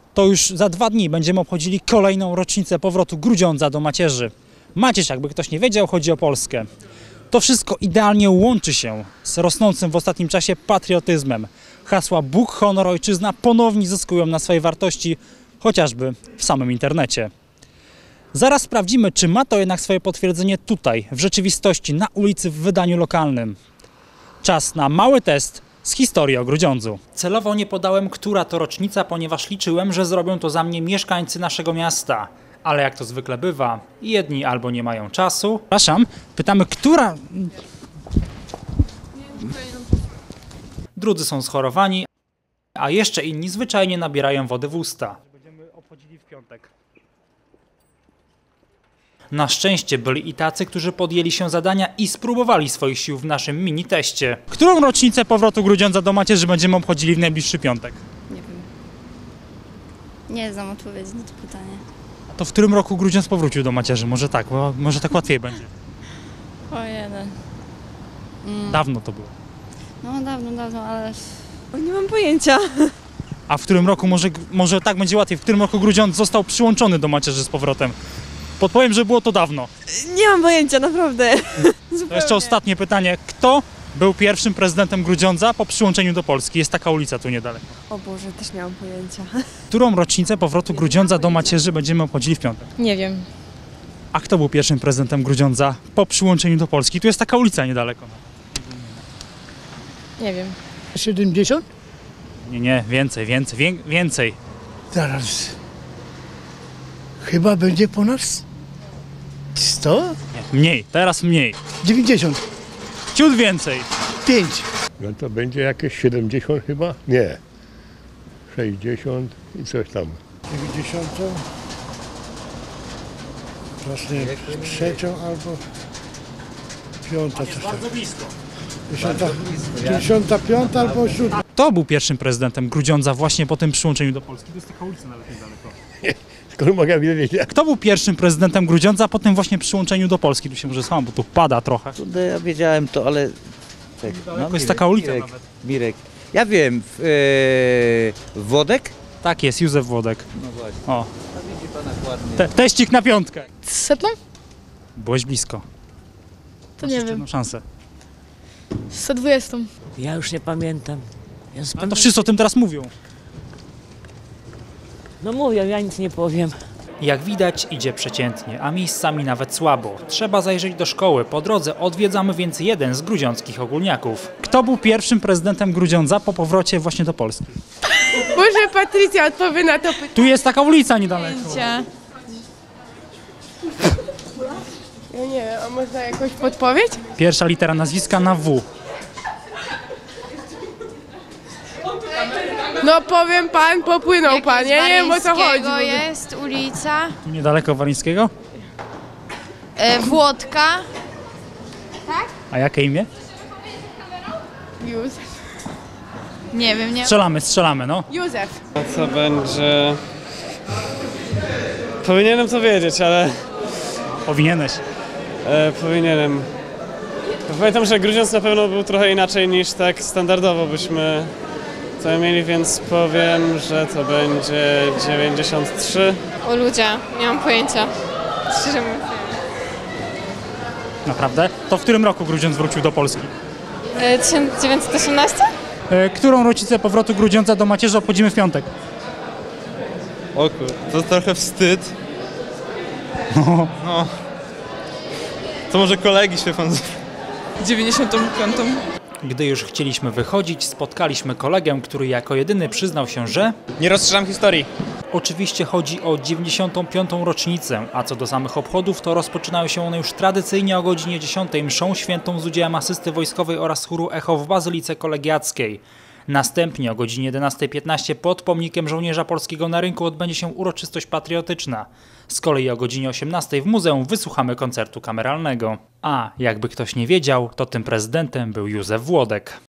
To już za 2 dni będziemy obchodzili kolejną rocznicę powrotu Grudziądza do macierzy. Macierz, jakby ktoś nie wiedział, chodzi o Polskę. To wszystko idealnie łączy się z rosnącym w ostatnim czasie patriotyzmem. Hasła Bóg, honor, ojczyzna ponownie zyskują na swojej wartości, chociażby w samym internecie. Zaraz sprawdzimy, czy ma to jednak swoje potwierdzenie tutaj, w rzeczywistości, na ulicy, w wydaniu lokalnym. Czas na mały test z historii o Grudziądzu. Celowo nie podałem, która to rocznica, ponieważ liczyłem, że zrobią to za mnie mieszkańcy naszego miasta. Ale jak to zwykle bywa, jedni albo nie mają czasu. Przepraszam, pytamy, która... Drudzy są schorowani, a jeszcze inni zwyczajnie nabierają wody w usta. Będziemy obchodzili w piątek. Na szczęście byli i tacy, którzy podjęli się zadania i spróbowali swoich sił w naszym mini-teście. Którą rocznicę powrotu Grudziądza do macierzy będziemy obchodzili w najbliższy piątek? Nie wiem. Nie znam odpowiedzi na to pytanie. A to w którym roku Grudziądz powrócił do macierzy? Może tak, bo może tak łatwiej będzie. O jeden. Dawno to było. No dawno, ale... Nie mam pojęcia. A w którym roku, może tak będzie łatwiej, w którym roku Grudziądz został przyłączony do macierzy z powrotem? Podpowiem, że było to dawno. Nie mam pojęcia, naprawdę. To jeszcze ostatnie pytanie. Kto był pierwszym prezydentem Grudziądza po przyłączeniu do Polski? Jest taka ulica tu niedaleko. O Boże, też nie mam pojęcia. Którą rocznicę powrotu Grudziądza do macierzy będziemy obchodzili w piątek? Nie wiem. A kto był pierwszym prezydentem Grudziądza po przyłączeniu do Polski? Tu jest taka ulica niedaleko. Nie wiem. 70? Nie, więcej. Zaraz. Chyba będzie ponad 100? Nie, mniej, teraz mniej. 90. Ciut więcej. 5. No to będzie jakieś 70 chyba? Nie. 60 i coś tam. 90. Właśnie trzecią albo piąta. Coś tam. Bardzo blisko. 55 albo 7. Kto był pierwszym prezydentem Grudziądza właśnie po tym przyłączeniu do Polski? To jest taka ulica nawet niedaleko. Skoro mogę wiedzieć? Kto był pierwszym prezydentem Grudziądza po tym właśnie przyłączeniu do Polski? Tu się może słucham, bo tu pada trochę. No, ja wiedziałem to, ale... Tak, To jest taka ulica Mirek, nawet. Mirek. Ja wiem, Włodek? Tak jest, Józef Włodek. No właśnie. O, A widzi pan ładnie. teścik na piątkę. 100? Byłeś blisko. To Masz nie jeszcze wiem. jedną szansę. 120. Ja już nie pamiętam. Ja Ale to wszyscy o tym teraz mówią. No mówię, ja nic nie powiem. Jak widać, idzie przeciętnie, a miejscami nawet słabo. Trzeba zajrzeć do szkoły. Po drodze odwiedzamy więc jeden z grudziąckich ogólniaków. Kto był pierwszym prezydentem Grudziądza po powrocie właśnie do Polski? Może Patrycja odpowie na to pytanie. Tu jest taka ulica niedaleko. Ja nie wiem, a można jakąś podpowiedź? Pierwsza litera nazwiska na W. No powiem pan, popłynął pan, ja nie wiem o co chodzi. To jest ulica Tu niedaleko Walińskiego. Włodka. A jakie imię? Józef. Nie wiem, nie. Strzelamy, no. Józef. Co będzie... Powinienem to wiedzieć, ale Powinieneś. powinienem. Pamiętam, że Grudziądz na pewno był trochę inaczej niż tak standardowo byśmy to mieli, więc powiem, że to będzie 93. O ludzie, nie mam pojęcia. Szczerze mówiąc. Naprawdę? To w którym roku Grudziądz wrócił do Polski? 1918? Którą rocznicę powrotu Grudziądza do macierzy obchodzimy w piątek? O kur... to trochę wstyd. No. To może kolegi się pan... 95. Gdy już chcieliśmy wychodzić, spotkaliśmy kolegę, który jako jedyny przyznał się, że... Nie rozszerzam historii. Oczywiście chodzi o 95. rocznicę, a co do samych obchodów, to rozpoczynają się one już tradycyjnie o godzinie 10 mszą świętą z udziałem asysty wojskowej oraz chóru Echo w Bazylice Kolegiackiej. Następnie o godzinie 11:15 pod pomnikiem żołnierza polskiego na rynku odbędzie się uroczystość patriotyczna. Z kolei o godzinie 18 w muzeum wysłuchamy koncertu kameralnego. A jakby ktoś nie wiedział, to tym prezydentem był Józef Włodek.